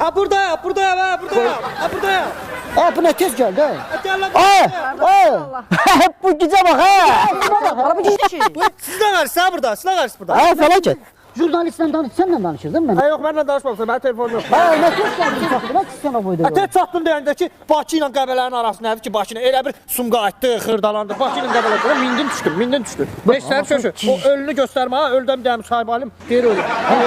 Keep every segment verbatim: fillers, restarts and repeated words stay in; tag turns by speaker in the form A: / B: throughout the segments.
A: Ha buradayım, buradayım, ha buradayım. Ha buradayım.
B: Ha bu ne tez geldi ha?
A: Gel lan.
B: Aa! Bu güce bak ha!
C: Araba gizli.
A: Bu sizden karşı ha burada, sizden karşı burada.
B: Ha felaket. Jurnalistle danış, senle danışırdın ben.
A: Ha yok, benimle danışmamışsın, benim telefonum yok.
B: Ha ne tez geldi çaktı, bak sana buydu.
A: Ha tez çatdın deyəndə ki, Bakı ilə Qəbələnin arasındadır ki, Bakı ilə elə bir sumqayıtdı, xırdalandı. Bakı ilə Qəbələ mindim düşdüm, mindim düşdüm. Beş sənə sözü, o ölünü göstərmə ha, ölüdən bir dənə müsahibə alim, deyir ölü.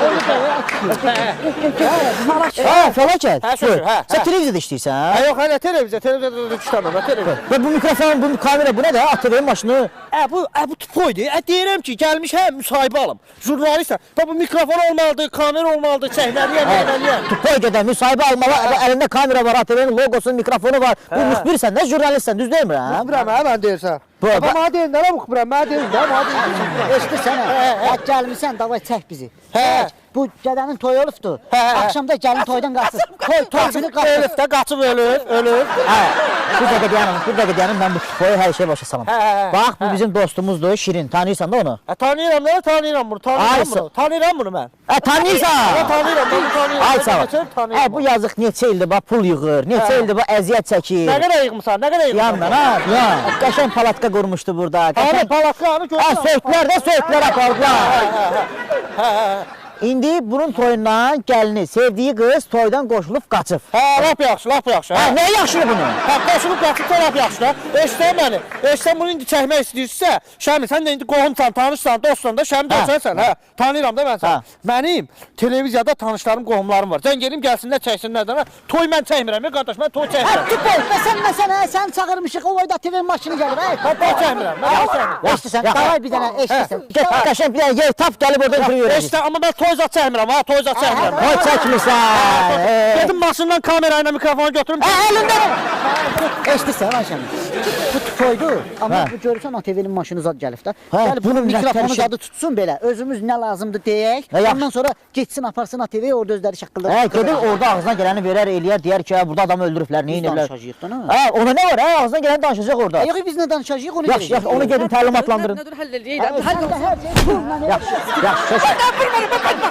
B: Ha felaket.
A: Ha sözü, ha.
B: Sen televizyada işləyirsən ha?
A: Ha yox, hələ televiziya, televiziyada düşdəm, ha televizyon.
B: Ve bu mikrofon, bu kamera bu ne de? A T V'nin başını.
A: Ə bu, ə bu tupoydu. Ə deyirəm ki, gəlmişəm müsahibə alım. Jurnalistəm. Bu mikrofon olmalıdır, kamera olmalıdır, çəkməliyəm, eləməliyəm.
B: Tupoy gedən müsahibə almalı, elinde kamera var, A T V'nin logosu, mikrofonu var. Bu müxbirsən də, jurnalistsən, düz deyilmi ha?
A: Bilmirəm, hə mən deyirsən.
B: Bu-
A: Amma mənə deyil, nələ müxbirəm, mənə deyil, də, mənə deyil.
B: Eşitirsən ha? Hə, gəlmişsən, davay çək bizi.
A: Hə.
B: Bu gədənin toyu olubdu.
A: Hə, hə.
B: Akşamda gəlin toydan qaçır. Toy, toycunu qaçır.
A: Ölüb də, qaçıb ölüb, ölüb.
B: Hə, bir dəqiqə dayanın, bir dəqiqə dayanın, mən bu tupoyu hər şey başa salam.
A: Hə, hə, hə.
B: Bax, bu bizim dostumuzdur, Şirin, tanıyırsan da onu?
A: Hə, tanıyıram, nə tanıyıram bunu,
B: Ay,
A: tanıyıram
B: sən-
A: bunu. Tanıyıram bunu mən.
B: Hə, tanıyırsan?
A: Hə, tanıyıram, bunu tanıyıram.
B: Ay sağ ol.
A: Geçən tanıyıram.
B: Hə, bu yazıq neçə ildir bax pul yığır, neçə
A: Hə.
B: ildir bu əziyyət çəkir.
A: Nə qədər yığmısan, nə qədər yığmısan?
B: Yandan ha, yan. Qəşəng palatka qurmuşdu burada.
A: Abi,
B: Qəşəng.
A: palaklarını
B: Ha,
A: görürsən.
B: söğütlər də söğütlər apardılar.
A: Hə, hə.
B: İndi bunun toyundan gəlini, sevdiyi qız toydan qoşulub qaçıb.
A: Hə, lap yaxşı, lap yaxşı.
B: Hə,
A: Hə,
B: nə yaxşıdır bunu?
A: hə, qoşulub qaçıb da lap yaxşı da. Eşitən məni. Eşitən bunu indi çəkmək istəyirsə, Şəmi, sən də indi qohumsan, tanışsan, dostsan da, Şəmi
B: Hə.
A: döşənsən, hə. Tanıyıram da mən
B: Hə.
A: sən. Mənim televiziyada tanışlarım, qohumlarım var. Sən gelim gəlsinlər, çəksinlər də. Toy mən çəkmirəm, ya qardaş, mən toy
B: Hə,
A: çəkmirəm.
B: tupoy, məsələn, məsələn, sən çağırmışıq, o boyda T V maşını gəlir, hə?
A: Mən toy çəkmirəm, mən toy çəkmirəm.
B: Eşitirsən, davay bir dənə, eşitirsən. Get, qəşəng bir dənə yer tap, gəlib orada intervyu verəcək.
A: Eşitən, amma mən toy zat çəkmirəm, ha, toy zat çəkmirəm.
B: Toy çəkmirsən.
A: Gedim maşından kamera ilə mikrofonu götürüm.
B: Hə, əlində. Eşitirsən, Ayşəm. Bu tupoydu, amma bu görürsən A T V'nin maşını zad gəlib də. Hə,
C: Yəni
B: bunun
A: şey-
B: mikrofonu
C: bunun
B: mikrofonu
C: zadı
B: zadı tutsun belə. Özümüz nə lazımdır deyək. Hə, yaxşı.
C: Ondan sonra geçsin aparsın A T V'ye orada özləri şaqqıldar.
B: Hə, gedir orada ağzına gələni verər, eləyər, deyər ki, hə, burada adamı öldürüblər, nə ediblər.
C: danışacağıq da, nə?
B: Hə, ona nə var, hə, ağzına gələni danışacaq orada.
C: Yox, biz nə danışacağıq onu
B: Yaxşı, yaxşı, onu gedin təlimatlandırın.
D: Nədir həll eləyək?
C: Hə,
D: Həll
C: sən də hər şey pulla elə.
B: Yaxşı, yaxşı, yaxşı.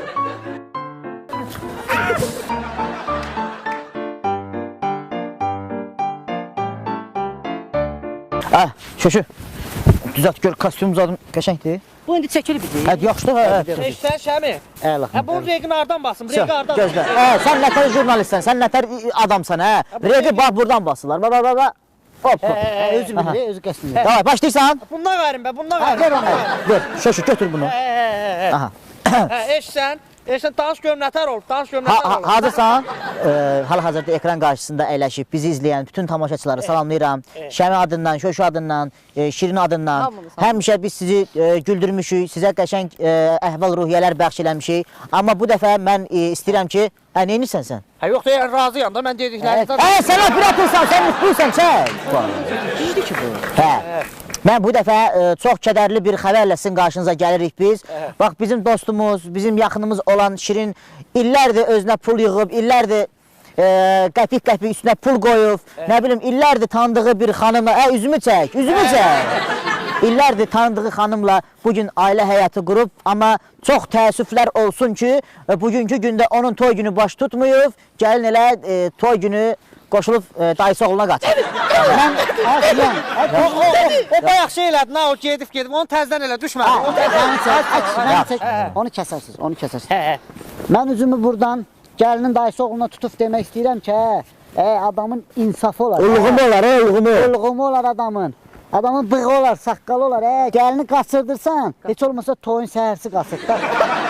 B: Hə, şöşü. Düzelt gör, kostyum uzadım, qəşəngdir.
C: Bu indi çəkilib bizi.
B: Hə, yaxşıdır, hə.
A: Eşitən Şəmi.
B: Əla.
A: Hə, bu reqin hardan basın,
B: Sən,
A: reqi hardan
B: gözlə. Hə, sən nətər jurnalistsən, sən nətər adamsan, hə. Reqi bax buradan basırlar, bax, bax, bax, bax. Hop, hop.
C: Özü bilir, özü qəsdidir.
B: Davay, başlayırsan.
A: Bundan verin be, bundan
B: Hə,
A: verin.
B: ver onu. Ver, şöşü, götür bunu.
A: Hə, hə, hə.
B: Aha.
A: Hə, eşitsən, eşitsən, danış görüm nətər olub, danış görüm
B: Ha,
A: nətər
B: ha,
A: olub.
B: hazırsan, e, hal-hazırda ekran qarşısında əyləşib bizi izləyən bütün tamaşaçıları salamlayıram. Şəmi adından, Şöşü adından, e, Şirin adından.
C: Hamınız,
B: Həmişə biz sizi e, güldürmüşük, sizə qəşəng e, əhval-ruhiyyələr bəxş eləmişik. Amma bu dəfə mən e, istəyirəm ki, hə, neynirsən sən?
A: Hə, yox deyər, razıyam da, mən dediklərinizdən.
B: Hə, sən operatorsan, sən mutluysan, çək.
C: Gizli ki bu.
B: Hə. Mən bu dəfə e, çox kədərli bir xəbərlə sizin qarşınıza gəlirik biz. Bax, bizim dostumuz, bizim yaxınımız olan Şirin illərdir özünə pul yığıb, illərdir e, qəpik-qəpik üstünə pul qoyub, nə bilim, illərdir tanıdığı bir xanımla, hə, üzümü çək, üzümü çək. İllərdir tanıdığı xanımla bugün ailə həyatı qurub, amma çox təəssüflər olsun ki, e, bugünkü gündə onun toy günü baş tutmuyub, gəlin elə e, toy günü qoşulub e, dayısı oğluna qaçır.
C: Mən aslan.
A: O, o, o, o bayaq şey elədi, nə o gedib gedib, onu təzdən elə düşmədi. O təzdən
C: Mən çək, əks, mən çək. Onu kəsərsiz, onu kəsərsiz. Mən üzümü buradan gəlinin dayısı oğluna tutub demək istəyirəm ki, hə, e, adamın insafı olar.
B: Ulğumu olar, hə, ulğumu.
C: Ulğumu olar adamın. Adamın bığı olar, saqqalı olar. Hə, gəlini qaçırdırsan, heç olmasa toyun səhərsi qaçır da.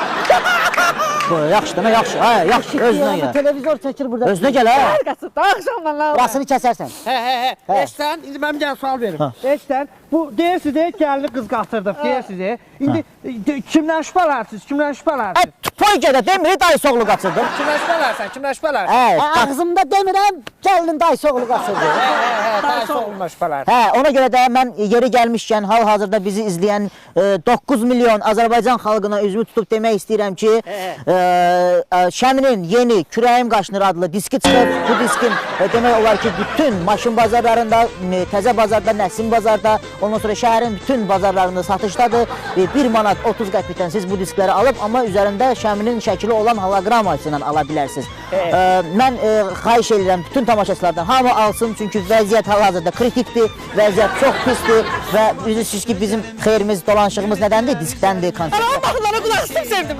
B: Yaxşı, demə, yaxşı, hə, yaxşı, özünə gəl.
C: Televizor çəkir burada.
B: Özünə gəl, hə.
D: Qaçıb da axşamdan la.
C: Burasını kəsərsən.
A: Hə, hə, hə. Eşitsən, indi mən bir dənə sual verim. Eşitsən, bu deyirsiniz, deyir, gəlini qız qatırdıq, deyirsiniz. İndi de, kimdən şübhələrsiniz, kimdən
B: Hə,
A: şübhələrsiniz?
B: toy gədə demir, dayısı oğlu qaçırdı.
A: Kimdən şübhələrsən, kimdən şübhələrsən?
B: Hə,
C: Hə,
B: qaç-
C: ağzımda demirəm, gəlinin dayısı oğlu qaçırdı.
A: Hə, hə, hə, dayısı oğluna şübhələrsən.
B: hə, ona görə də mən yeri gəlmişkən hal-hazırda bizi izləyən e, doqquz milyon Azərbaycan xalqına üzümü tutub demək istəyirəm ki, e, e, Şəminin yeni Kürəyim Qaşınır adlı diski çıxıb. Bu diskin e, demək olar ki, bütün maşın bazarlarında, e, təzə bazarda, Nəsim bazarda, Ondan sonra şəhərin bütün bazarlarında satışdadır. bir manat otuz qəpikdən siz bu diskləri alıb, amma üzərində Şəminin şəkili olan holoqramması ilə ala bilərsiniz.
A: Evet.
B: Ə, mən ə, xahiş edirəm bütün tamaşaçılardan hamı alsın, çünki vəziyyət hal-hazırda kritikdir, vəziyyət çox pisdir və bilirsiniz ki, bizim xeyrimiz, dolanışığımız nədəndir? Diskdəndir, konsertdən.
A: Baxınlara qulaq istəyim sevdim.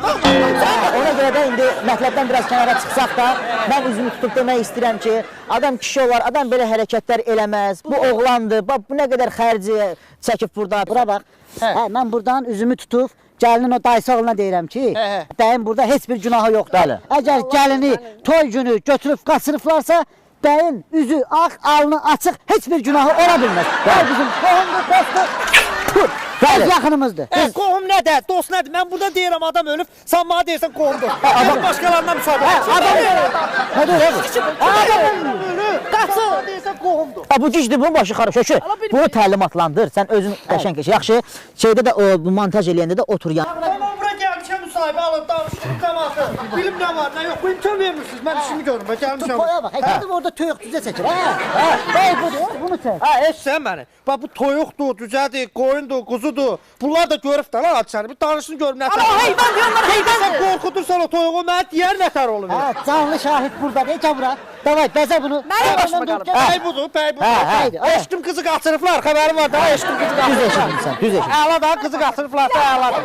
B: Ona görə də indi mətləbdən biraz kənara çıxsaq da, mən üzümü tutub demək istəyirəm ki, adam kişi olar, adam belə hərəkətlər eləməz. Bu oğlandır, bax bu nə qədər xərci çəkib burada.
C: Bura bax. Hə, mən buradan üzümü tutub gəlinin o dayısı oğluna deyirəm ki,
A: Hə, hə.
C: bəyin burada heç bir günahı yoxdur.
B: Bəli.
C: Əgər gəlini toy günü götürüb qaçırıblarsa, bəyin üzü ağ, alnı açıq, heç bir günahı ola bilməz. Bəy bizim qohumdur, dostdur,
B: Bəli.
C: öz yaxınımızdır.
A: Ə, qohum nədir? Dost nədir? Mən burada deyirəm adam ölüb, sən mənə deyirsən qohumdur. Adam başqalarından müsabiqə.
C: Adam nə deyir? Adam
A: Qaçır. Deyirsən qohumdur.
B: Ha, bu gicdir, bunun başı xarab. Şökü, bunu təlimatlandır. Sən özün qəşəng keç. Yaxşı, şeydə də o bu montaj eləyəndə də otur yan.
A: Tamam bura gəlmişəm müsahibə alıb danışdım cəmaatı. Bilim nə var, nə yox. Bu imkan vermirsiniz. Mən işimi görürüm. Bə gəlmişəm.
C: Toya bax, həqiqətən orada toyuq düzə çəkir. Hə, hə, bəy budur, bunu çək.
A: Ha, eşsən məni. Bax bu toyuqdur, düzədir, qoyundur, quzudur. Bunlar da görüb də lan hadisanı. Bir danışın görüm nə tər.
C: Amma heyvan deyirlər, heyvan.
A: Sən qorxudursan o toyuğu, mənə deyər nə tər olur.
C: Hə, canlı şahid burdadır. Gəl bura. Davay, bəzə bunu.
A: Mənim başıma qalıb. Bəy budur, bəy budur.
B: Hə, hə.
A: Eşkim qızı qaçırıblar, xəbərim var da, eşkim qızı
B: Düz
A: qaçırıblar.
B: eşitmisən, düz eşitmisən.
A: Əla da qızı qaçırıblar da, əladır.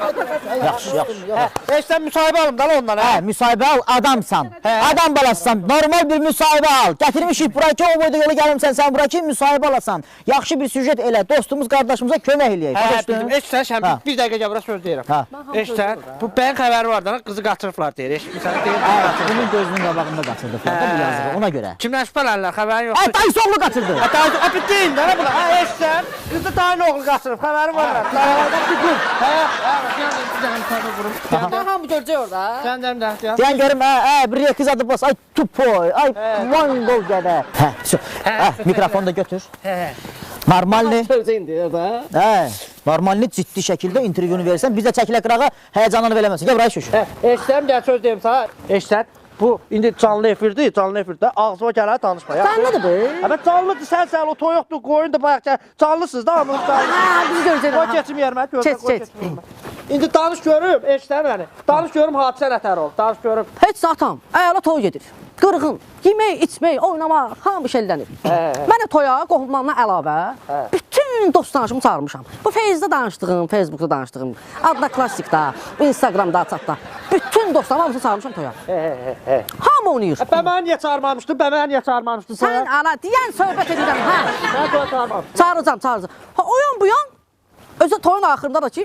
B: Yaxşı, yaxşı.
A: Eşsən müsahibə alım da lan ondan, hə?
B: Hə, müsahibə al, adamsan. Adam balasısan. Normal bir müsahibə al. Gətirmişik bura ki, o boyda yola gəlmişsən, sən bura ki, müsahibə alasan. Yaxşı bir süjet elə, dostumuz, qardaşımıza kömək eləyək.
A: Hə,
B: Başa
A: bildim.
B: düşdün?
A: Eşsən, şəm,
B: Hə.
A: bir dəqiqə gəbərə söz deyirəm.
B: Hə.
A: Eşsən, bu bəyin xəbəri var da, qızı qaçırıblar deyir. Eşitmirsən, deyir.
B: Hə, bunun gözünün qabağında qaçırdıqlar da bu yazığı, ona görə.
A: Kimdən şübhələnirlər, xəbərin
B: Hə,
A: yoxdur.
B: dayısı oğlu qaçırdı.
A: Hə, dayı, hə, bir deyin də, nə bula? Hə, eşsən, qızı dayın oğlu qaçırıb, xəbərin var da. Dayılardan bir qız. Hə, hə, gəlin, bir dənə müsahibə qurum.
D: Daha hamı görəcək orada.
A: Sən də, də, də.
B: Deyən görüm, hə, hə, bir kız adı bas, ay tupoy, ay mongol gədə. Hə, şu, hə, mikrofonu da götür.
A: Hə.
B: Normalni,
D: Görəcək indi orada.
B: hə, normalni ciddi şəkildə intervyunu verirsən, biz də çəkilə qırağa həyəcanını verəməsin. Gəl buraya şuşu.
A: Hə, eşsən, gəl söz deyim sana. Eşsən, bu indi canlı efirdir, canlı efirdə ağzıma gələr danışma.
D: Canlıdır bu.
A: Hə, mən canlıdır, sən sən o toyuqdur, qoyundur, bayaq gəl. Canlısınız da, hamınız canlı.
D: Ha, biz görəcək.
A: Qoy keçim yerimə, görürəm,
D: Keç,
A: qoy
D: keç.
A: keçim yerimə. İndi danış görüm, eşsən məni. Danış görüm, hadisə nətər oldu, danış görüm.
D: Heç atam, əla toy gedir. Qırğın, yemək, içmək, oynamaq, hamı şeylənir. Mən də toya, qohumlarına əlavə, bütün dost tanışımı çağırmışam. Bu Facebookda danışdığım, Facebookda danışdığım, adda klassikda, Instagramda, chatda. Bütün dostlarımı hamısını çağırmışam toya. Hamı oynayır.
A: Bə mənə niyə çağırmamışdın, bə mənə niyə çağırmamışdın
D: Sən
A: sən?
D: ala deyən söhbət edirəm, hə.
A: Mən toya çağırmamışdım.
D: Çağıracam, çağıracam. Ha, o yan bu yan, özü toyun axırında da ki,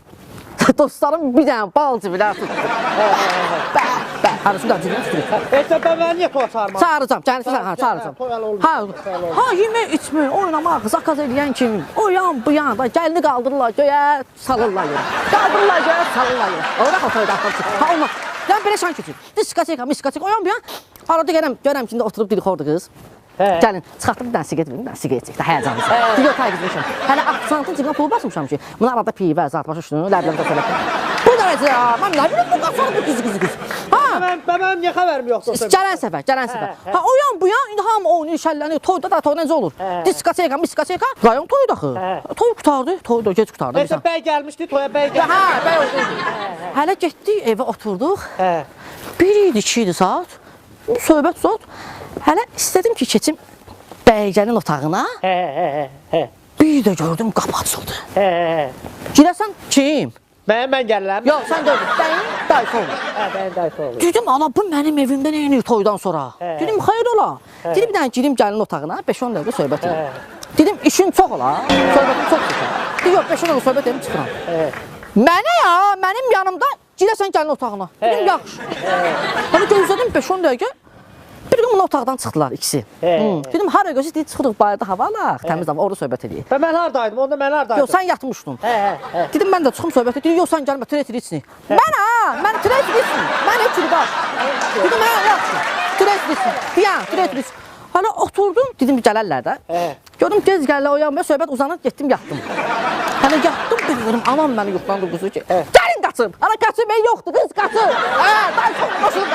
D: dostlarım bir dənə bal cibilər tutdu. Bə, bə, harası da cibini tutur.
A: Eşsən, bə mənə niyə toya çağırmamışdın?
D: Çağıracam, gəlirsən, ha, çağıracam.
A: Toyalı olmaz.
D: Ha, ha, yemək, içmək, oynamaq, zakaz eləyən kimi, o yan, bu yan, da gəlini qaldırırlar, göyə salırlar yerə. Qaldırırlar göyə, salırlar yerə. Orada xotoyda axır. Ha, olmaz. Yəni belə şan keçir. Diskoteka, miskoteka, o yan, bu yan. Arada gələm, görəm ki, indi oturub dilxordu qız. Gəlin, çıxartdım bir dənə siqet verim, bir dənə siqet çək, həyəcanlısı. Yox, tayqızmışam. Hələ aksantın cibinə pul basmışam ki, bunu arada pivə, zat başa düşdün, ləbləmdə söylə. Bu dərəcə, mən nə bilim, bu qaçar bu qızı qızı qız. Ha,
A: Mən, bə mənim niyə xəbərim yoxdur?
D: gələn səfər, gələn səfər. Ha, o yan, bu yan, indi hamı oynayır, şəllənir, toyda da toy necə olur? Diskoteka, miskoteka, rayon toyu daxı. Toy qutardı, toy da gec qutardı.
A: Eşsən, bəy gəlmişdi, toya bəy gəlmişdi.
D: Hə, bəy oldu. Hələ getdik, evə oturduq.
A: Hə.
D: Bir idi, iki idi saat. Söhbət zot. Hələ istədim ki, keçim bəycənin otağına.
A: Hə, hə, hə, hə.
D: Bir də gördüm qapı açıldı.
A: Hə, hə.
D: Girəsən kim?
A: Mən, mən gəlirəm.
D: Yox, sən gördün. Bəyin dayısı olur.
A: Hə, bəyin dayısı olur.
D: Dedim, ana bu mənim evimdə nə edir toydan sonra? Dedim, xeyr ola. Dedim, bir dənə girim gəlin otağına, beş on dəqiqə söhbət edim. Dedim, işin çox ola, söhbətim çox çıxır. Dedim, yox, beş on dəqiqə söhbət edim, çıxıram. Mənə ya, mənim yanımda girəsən gəlin otağına. Dedim, yaxşı. Hani gözlədim beş on dəqiqə. Bir gün bunlar otaqdan çıxdılar ikisi. Hı. Dedim, hara gözü deyib çıxırıq bayırda hava alaq, təmiz hava, orada söhbət edəyik.
A: Və mən haradaydım, onda mən haradaydım.
D: Yox, sən yatmışdın.
A: Hə, hə, hə.
D: Dedim, mən də çıxım söhbət edəyik, yox, sən gəlmə, tret içsin. Mən ha, mən tret içsin. Mən heç yürü baş. Dedim, hə, yaxşı, tret içsin. Deyən, tret içsin. Hala oturdum, dedim, gələrlər də. Gördüm, gez gəlirlər, oyanmaya, söhbət uzanır, getdim, yatdım. Hələ yatdım, bilmiyorum, anam məni yuxlandı quzu ki, gəlin qaçın. Ana qaçın, mən yoxdur, qız qaçın. Hə, dayı çox başını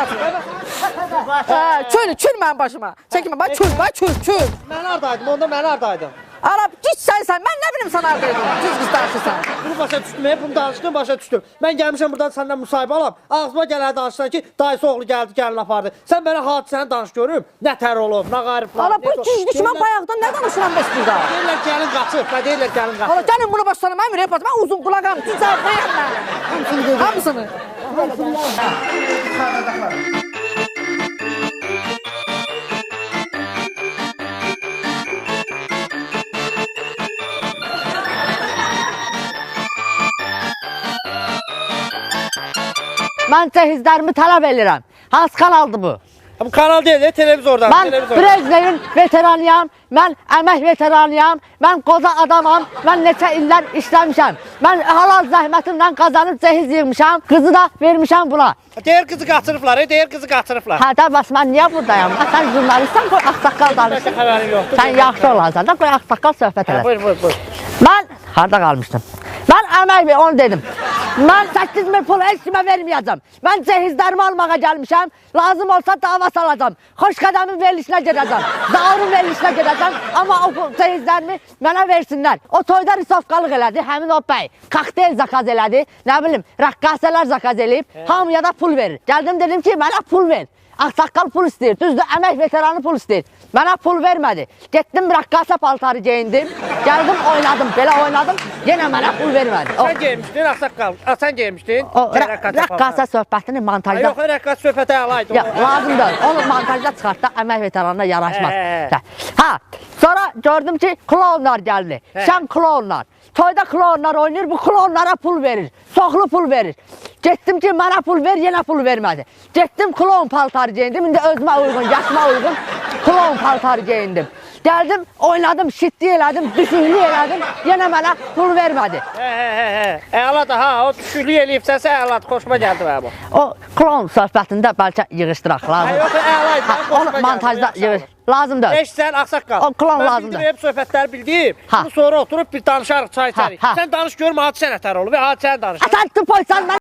D: qaçın. Hə, çöl, çöl mənim başıma. Çəkinmə, bax, çöl, bax, çöl, çöl.
A: Mən haradaydım, onda mən haradaydım.
D: Arab git sən sən. Mən nə bilim sən arqaydım. Düz qız danışırsan.
A: Bunu başa düşdüm, hep bunu danışdım, başa düşdüm. Mən gəlmişəm buradan səndən müsahibə alam. Ağzıma gələr danışsan ki, dayısı oğlu gəldi, gəlin apardı. Sən mənə hadisəni danış görüm. Nə tər olub, nə qariblar.
D: Ala bu gizli ki, mən bayaqdan nə danışıram bəs burada?
A: Deyirlər gəlin qaçıb, və deyirlər gəlin qaçıb.
D: Ala gəlin bunu başlarına mən verəyim. Mən uzun qulağam. Cüzər bayaqdan. Hamısını.
E: Mən cəhizlərimi tələb edirəm. Hansı kanaldır bu?
A: Bu kanal deyil, televizordan.
E: Mən
A: televizordan.
E: Brejnevin veteranıyam, mən əmək veteranıyam, mən qoca adamam, mən neçə illər işləmişəm. Mən halal zəhmətimlə qazanıb cehiz yığmışam, qızı da vermişəm buna.
A: Deyir qızı qaçırıblar, e, deyir qızı qaçırıblar.
E: Hə, də bəs mən niyə buradayam? Sən jurnalistsən, qoy ağsaqqal danışsın.
A: Xəbərim yoxdur.
E: Sən yaxşı olarsan da, qoy ağsaqqal söhbət
A: Hə,
E: elə.
A: buyur, buyur, buyur.
E: Mən harda qalmışdım? Mən əmək ver, onu dedim. Mən səkkiz min pul heç kimə verməyəcəm. Mən cehizlərimi almağa gəlmişəm. Lazım olsa dava salacam. Xoş qədəmin verilişinə gedəcəm. Zaurun verilişinə gedəcəm. Amma o cehizlərimi mənə versinlər. O toyda risovqalıq elədi, həmin o bəy. Kokteyl zakaz elədi. Nə bilim, rəqqasələr zakaz eləyib. Hamıya da pul verir. Gəldim dedim ki, mənə pul ver. Ağsaqqal pul istəyir, düzdür, əmək veteranı pul istəyir. Mənə pul vermədi. Getdim rəqqasə paltarı geyindim, gəldim oynadım, belə oynadım, yenə mənə pul vermədi. O,
A: Sən geymişdin, ağsaqqal. A, sən geymişdin.
E: o rə- rəqqasə söhbətini montajda...
A: Yox, rəqqas söhbətə alaydı.
E: Ya, lazım deyil, onu montajda çıxartda əmək veteranına yaraşmaz.
A: Hə, hə.
E: Ha, sonra gördüm ki, klonlar gəldi, şən klonlar. Toyda klonlar oynayır, bu klonlara pul verir, soxlu pul verir. Getdim ki, mənə pul ver, yenə pul vermədi. Getdim klon paltarı geyindim, indi özümə uyğun, yaşıma uyğun klon paltarı geyindim. Gəldim, oynadım, şitli elədim, düşüklü elədim, yenə mənə pul vermədi.
A: Hə, hə, hə, hə. Əladır, ha, o düşüklük eləyibsənsə əladır, xoşuma gəldi mənim o.
E: O klon söhbətində bəlkə yığışdıraq,
A: Hə,
E: lazım.
A: yox, əlaydı,
E: Ha,
A: xoşuma
E: onu
A: gəldi.
E: montajda yığış. Lazım deyil.
A: Eşsən, ağsaqqal.
E: O klon
A: Mən
E: lazımdır.
A: bildim, hep söhbətləri bildim.
E: Ha.
A: Bunu sonra oturup bir danışarıq, çay içərik.
E: ha.
A: Sən danış görmə, hadisə nətər olub və hadisəni danış.
E: Sən tıpoysan, mən